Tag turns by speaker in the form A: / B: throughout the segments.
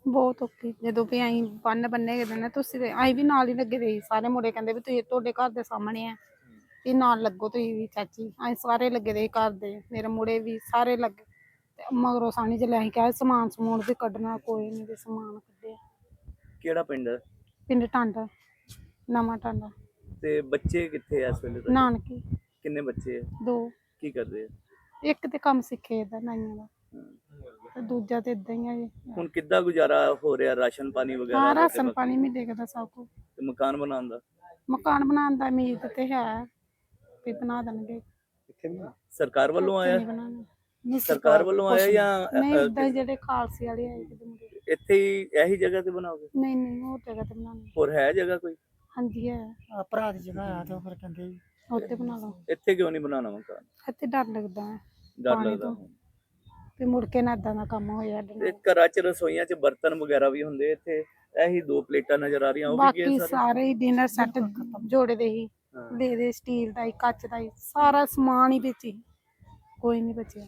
A: ਬਹੁਤ ਔਖੀ ਜਦੋਂ ਵੀ ਅਸੀਂ ਬੰਨ ਬੰਨੇ ਗਏ ਨੇ ਤੁਸੀਂ ਤੇ ਅਸੀਂ ਵੀ ਨਾਲ ਹੀ ਲੱਗੇ ਦੇ ਸੀ। ਸਾਰੇ ਮੁੰਡੇ ਕਹਿੰਦੇ ਵੀ ਤੁਸੀਂ ਤੁਹਾਡੇ ਘਰ ਦੇ ਸਾਹਮਣੇ ਆ ਵੀ ਨਾਲ ਲੱਗੋ ਤੁਸੀਂ ਵੀ ਚਾਚੀ। ਅਸੀਂ ਸਾਰੇ ਲੱਗੇ ਦੇ ਸੀ ਘਰ ਦੇ, ਮੇਰੇ ਮੁੰਡੇ ਵੀ ਸਾਰੇ ਲੱਗੇ ਤੇ ਮਗਰੋਂ ਸਾਨੀ ਚ ਅਸੀਂ ਕਿਹਾ ਸਮਾਨ ਸਮੂਨ ਵੀ ਕੱਢਣਾ, ਕੋਈ ਨਹੀਂ ਵੀ ਸਮਾਨ ਕੱਢਿਆ।
B: ਕਿਹੜਾ ਪਿੰਡ ਹੈ?
A: ਪਿੰਡ ਟਾਂਡਾ, ਨਵਾਂ ਟਾਂਡਾ।
B: ਤੇ ਬੱਚੇ ਕਿੱਥੇ ਆ ਇਸ ਵੇਲੇ ਤੁਹਾਡੇ?
A: ਨਾਨਕੀ
B: ਕਿੰਨੇ ਬੱਚੇ ਆ?
A: 2।
B: ਕੀ ਕਰਦੇ ਆ?
A: ਇੱਕ ਤੇ ਕੰਮ ਸਿੱਖੇ ਦਾ ਨਾਈਆਂ ਦਾ ਤੇ ਦੂਜਾ ਤੇ ਇਦਾਂ ਹੀ ਆ ਜੀ।
B: ਹੁਣ ਕਿੱਦਾਂ ਗੁਜ਼ਾਰਾ ਹੋ ਰਿਹਾ? ਰਾਸ਼ਨ ਪਾਣੀ ਵਗੈਰਾ
A: ਹਾਂ,
B: ਦਾ ਤੇ
A: ਰਾਸ਼ਨ
B: ਬਾਕੀ
A: ਪਾਣੀ ਮਿਲੇਗਾ ਸਭ ਕੁਝ।
B: ਤੇ ਮਕਾਨ ਬਣਾਉਣ ਦਾ?
A: ਮਕਾਨ ਬਣਾਉਣ ਦਾ ਉਮੀਦ ਤੇ ਹੈ ਵੀ ਬਣਾ ਦੇਣਗੇ।
B: ਸਰਕਾਰ ਵੱਲੋਂ
A: ਇੱਥੇ
B: ਆਇਆ?
A: ਨਹੀਂ ਬਣਾਉਣਾ। ਨਹੀਂ
B: ਸਰਕਾਰ ਵੱਲੋਂ ਆਇਆ ਜਾਂ
A: ਨਹੀਂ, ਏਦਾਂ ਹੀ ਜਿਹੜੇ ਖਾਲਸੇ ਵਾਲੇ ਆਏ ਕਿਤੇ ਮੁੰਡੇ।
B: ਇੱਥੇ ਹੀ ਇਹੀ ਜਗ੍ਹਾ ਤੇ ਬਣਾਓਗੇ?
A: ਨਹੀਂ ਨਹੀਂ, ਹੋਰ ਜਗ੍ਹਾ ਤੇ ਬਣਾਉਣੀ।
B: ਹੋਰ ਹੈ ਜਗ੍ਹਾ ਕੋਈ?
A: ਹਾਂਜੀ ਹੈ,
C: ਭਰਾ ਦੀ ਜਗ੍ਹਾ ਆ ਤੇ ਫਿਰ ਕਹਿੰਦੇ
A: ਉੱਥੇ ਬਣਾ ਲਓ।
B: ਇੱਥੇ ਕਿਉਂ ਨਹੀਂ ਬਣਾਉਣਾ ਮਕਾਨ?
A: ਇੱਥੇ ਡਰ ਲੱਗਦਾ ਹੈ
B: ਡਰ
A: ਪਾਣੀ
B: ਲੱਗਦਾ?
A: ਤੋਂ ਵੀ ਮੁੜ ਕੇ ਨਾ ਏਦਾਂ ਦਾ ਕੰਮ ਹੋਇਆ ਸਾਡੇ
B: ਤੇ
A: ਨਾਲ।
B: ਘਰਾਂ 'ਚ ਰਸੋਈਆਂ 'ਚ ਬਰਤਨ ਵਗੈਰਾ ਵੀ ਹੁੰਦੇ, ਇੱਥੇ ਇਹੀ 2 ਪਲੇਟਾਂ ਨਜ਼ਰ ਆ ਰਹੀਆਂ, ਉਹ ਵੀ ਕੀ
A: ਬਾਕੀ
B: ਸਾਰੇ?
A: ਸਾਰੇ ਹੀ ਡਿਨਰ ਸੈੱਟ ਜੋੜੇ ਦੇ ਹੀ
B: ਹਾਂ।
A: ਦੇ ਸਟੀਲ ਦਾ ਹੀ, ਕੱਚ ਦਾ ਹੀ, ਸਾਰਾ ਸਮਾਨ ਹੀ ਵਿੱਚ ਹੀ, ਕੋਈ ਨਹੀਂ ਬਚਿਆ।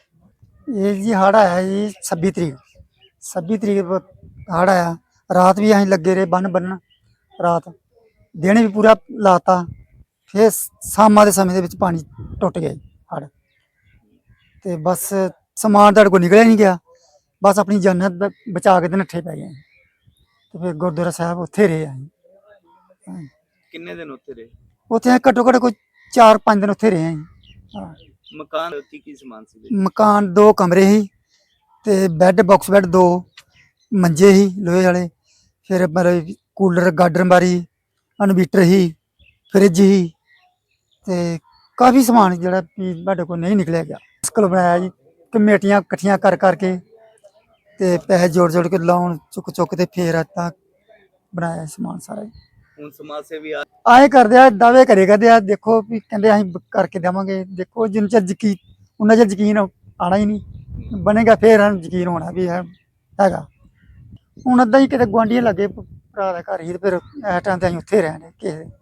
C: ਇਹ ਜੀ ਹੜ੍ਹ ਆਇਆ ਜੀ 26 ਤਰੀਕ 26 ਤਰੀਕ ਹੜ੍ਹ ਆਇਆ। ਰਾਤ ਵੀ ਅਸੀਂ ਲੱਗੇ ਰਹੇ ਬੰਨ੍ਹਣ, ਰਾਤ ਦਿਨ ਵੀ ਪੂਰਾ ਲਾਤਾ। ਫਿਰ ਸ਼ਾਮਾਂ ਦੇ ਸਮੇਂ ਦੇ ਵਿੱਚ ਪਾਣੀ ਟੁੱਟ ਗਿਆ ਹੜ੍ਹ ਤੇ ਬਸ ਸਮਾਨ ਤੁਹਾਡੇ ਕੋਲ ਨਿਕਲਿਆ ਨਹੀਂ ਗਿਆ। ਬਸ ਆਪਣੀ ਜਾਨ ਬਚਾ ਕੇ ਤੇ ਨੱਠੇ ਪੈ ਗਏ ਤੇ ਫਿਰ ਗੁਰਦੁਆਰਾ ਸਾਹਿਬ ਉੱਥੇ ਰਹੇ ਅਸੀਂ।
B: ਕਿੰਨੇ ਦਿਨ ਉੱਥੇ ਰਹੇ?
C: ਉੱਥੇ ਘੱਟੋ ਘੱਟ ਕੋਈ 4-5 ਦਿਨ ਉੱਥੇ ਰਹੇ ਅਸੀਂ। ਹਾਂ,
B: ਮਕਾਨ ਕੀ ਸਮਾਨ ਸੀ?
C: ਮਕਾਨ 2 ਕਮਰੇ ਸੀ ਤੇ ਬੈੱਡ, ਬਾਕਸ ਬੈੱਡ 2, ਮੰਜੇ ਸੀ ਲੋਹੇ ਵਾਲੇ, ਫਿਰ ਮਤਲਬ ਕੂਲਰ, ਗਾਡਰ ਬਾਰੀ, ਇਨਵੀਟਰ ਸੀ, ਫਰਿੱਜ ਸੀ ਤੇ ਕਾਫੀ ਸਮਾਨ ਜਿਹੜਾ ਵੀ ਸਾਡੇ ਕੋਲ ਨਹੀਂ ਨਿਕਲਿਆ ਗਿਆ। ਮੁਸ਼ਕਲ ਬਣਾਇਆ ਜੀ, ਕਮੇਟੀਆਂ ਇਕੱਠੀਆਂ ਕਰ ਕਰਕੇ ਤੇ ਪੈਸੇ ਜੋੜ ਕੇ ਲਾਉਣ ਚੁੱਕ ਤੇ ਫੇਰ ਤਾਂ ਬਣਾਇਆ ਸਮਾਨ ਸਾਰਾ।
B: ਹੁਣ ਸਮਾਜ ਸੇਵੀ
C: ਆਏ ਕਰਦੇ ਆ, ਦਾਅਵੇ ਕਰੇ ਕਰਦੇ ਆ, ਦੇਖੋ ਵੀ ਕਹਿੰਦੇ ਅਸੀਂ ਕਰਕੇ ਦੇਵਾਂਗੇ। ਦੇਖੋ ਜਿੰਨਾ ਚਿਰ ਯਕੀਨ, ਉਹਨਾਂ ਚਿਰ ਯਕੀਨ ਆਉਣਾ ਹੀ ਨਹੀਂ, ਬਣੇਗਾ ਫੇਰ ਯਕੀਨ ਹੋਣਾ ਵੀ ਹੈਗਾ। ਹੁਣ ਅੱਧਾ ਹੀ ਕਿਤੇ ਗੁਆਂਢੀਆਂ ਲੱਗੇ ਭਰਾ ਦਾ ਘਰ ਹੀ ਤੇ ਫਿਰ ਇਸ ਟਾਈਮ ਤੇ ਅਸੀਂ ਉੱਥੇ ਰਹਿੰਦੇ ਕਿਸੇ